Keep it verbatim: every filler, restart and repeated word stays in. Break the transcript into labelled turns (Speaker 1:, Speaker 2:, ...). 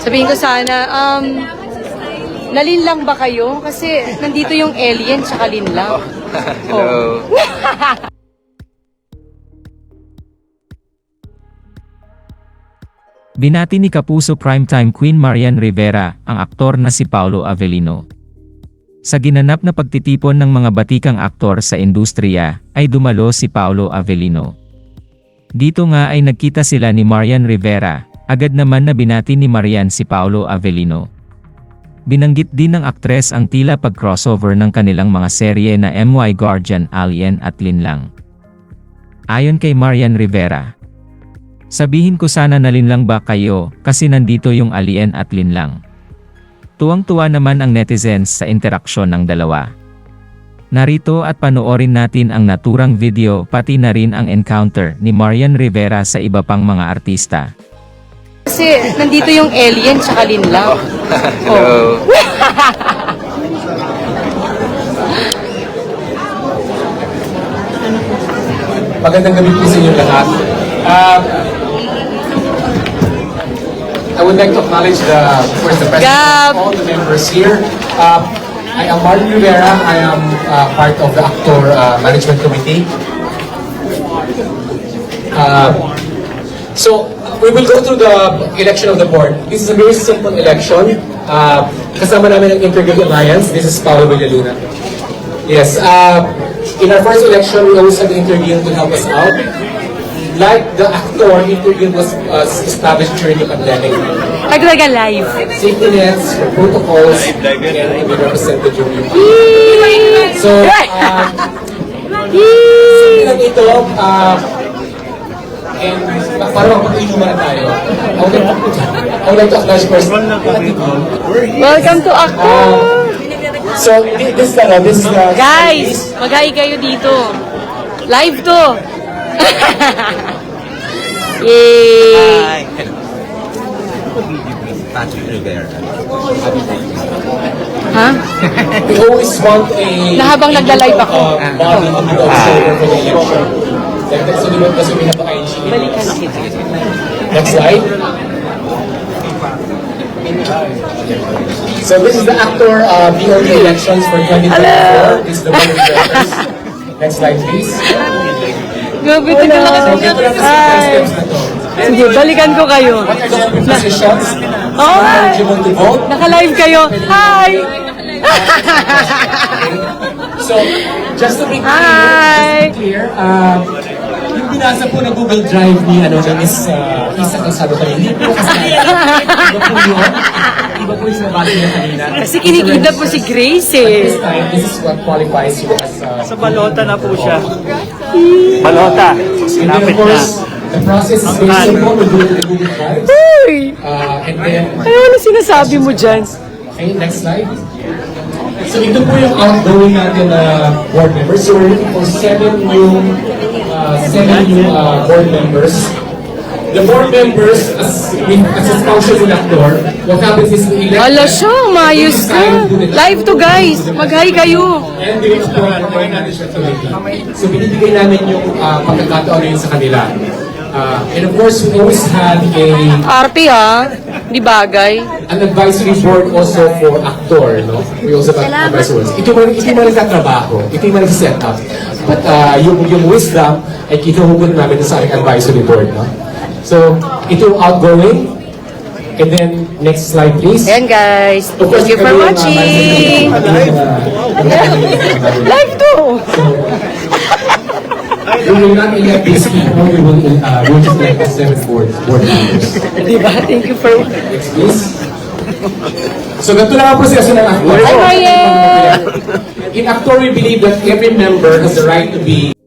Speaker 1: Sabihin ko sana, um, nalinlang ba kayo? Kasi nandito yung alien tsaka linlang.
Speaker 2: Hello.
Speaker 3: Binati ni Kapuso primetime Queen Marian Rivera ang aktor na si Paolo Avellino. Sa ginanap na pagtitipon ng mga batikang aktor sa industriya, ay dumalo si Paolo Avellino. Dito nga ay nagkita sila ni Marian Rivera, agad naman na binati ni Marian si Paolo Avellino. Binanggit din ng aktres ang tila pag-crossover ng kanilang mga serye na M Y Guardian, Alien at Linlang. Ayon kay Marian Rivera, sabihin ko sana nalinlang ba kayo kasi nandito yung Alien at Linlang. Tuwang-tuwa naman ang netizens sa interaksyon ng dalawa. Narito at panoorin natin ang naturang video pati na rin ang encounter ni Marian Rivera sa iba pang mga artista.
Speaker 1: Kasi nandito yung alien tsaka linlang.
Speaker 2: Hello.
Speaker 4: Magandang gabi po sa inyo lahat. Uh, I would like to acknowledge the, of course, the president
Speaker 1: Gab.
Speaker 4: of all the members here. Uh, I am Martin Rivera. I am uh, part of the Actor uh, Management Committee. Uh, so, we will go through the election of the board. This is a very simple election. Uh, kasama namin ang Intergrid Alliance. This is Paolo Villaluna. Yes, uh, in our first election, we always had Intergrid to help us out. Like the actor, Intergrid was uh, established during the pandemic.
Speaker 1: Naglaga live.
Speaker 4: Safety nets, protocols, and we represented during the So, uh, lang ito, uh, and para magpag-inuman na tayo, I would like to, I would like to acknowledge first.
Speaker 1: Welcome to Actor!
Speaker 4: Uh, so, thi- this is the, this is the...
Speaker 1: Guys, mag-hi kayo dito. Live to! Yay!
Speaker 2: Patrick Rivera.
Speaker 1: Ha?
Speaker 4: We always want a...
Speaker 1: Na habang nagla-live ako.
Speaker 4: Uh, body to be the observer for the election. Like, that's the limit kasi pinapakain siya.
Speaker 1: Balikan kita.
Speaker 4: Next slide. So this is the actor uh, B O D elections for twenty twenty-four. This is the board of directors. Next slide, please.
Speaker 1: Gabi, ito lang
Speaker 4: So,
Speaker 1: kasi.
Speaker 4: ito lang kasi
Speaker 1: Hi!
Speaker 4: five steps na to.
Speaker 1: Sige, balikan ko kayo.
Speaker 4: What are the positions?
Speaker 1: Oh, hi!
Speaker 4: Eligible to vote.
Speaker 1: Naka-live kayo. Hi!
Speaker 4: So, just to be clear,
Speaker 1: Hi!
Speaker 4: just to be clear, uh, yung binasa po na Google Drive ni ano na Miss uh, Isa Calzado kanina, hindi po kasi iba po yun. Iba po yung sinabati niya kanina.
Speaker 1: Kasi kinikita po si Grace
Speaker 4: At
Speaker 1: eh.
Speaker 4: this time, this is what qualifies you as uh,
Speaker 5: Sa balota na po siya.
Speaker 4: balota.
Speaker 5: Balota.
Speaker 4: And then, of
Speaker 5: Lapit na.
Speaker 4: course, the process is very simple. We do it in the Google Drive.
Speaker 1: Uy!
Speaker 4: Uh, and then,
Speaker 1: Ano ano sinasabi mo dyan?
Speaker 4: okay, next slide. So ito po yung outgoing natin na board members. So we're looking for seven new, uh, seven new uh, board members. The board members, as, as a spousal actor, what happens is we elect
Speaker 1: Ala
Speaker 4: them,
Speaker 1: siya, mayos
Speaker 4: they
Speaker 1: ka.
Speaker 4: decide who the-
Speaker 1: Live to guys. Mag-hi kayo.
Speaker 4: And we appoint natin siya committee. So binibigay namin yung uh, pagkakataon na yun sa kanila. Uh, and of course, we always had a
Speaker 1: Arte ha. Di bagay.
Speaker 4: an advisory board also for actor, no? We also have advisory boards. Ito man, ito man nagtatrabaho, ito man nag-set up. But uh, yung, yung wisdom ay kinuhugot namin sa aming advisory board, no? So, ito yung outgoing. And then, next slide please.
Speaker 1: Ayan guys.
Speaker 4: Of course,
Speaker 1: Thank you for
Speaker 4: kami yung, uh,
Speaker 1: watching.
Speaker 4: management-
Speaker 1: Live to.
Speaker 4: We will not elect these people, we will, uh, we will just elect the seven board, board members.
Speaker 1: Diba? Thank you for...
Speaker 4: Next please. So, ganito lang ang proseso ng actor.
Speaker 1: Hi, Ryan!
Speaker 4: In actor, we believe that every member has the right to be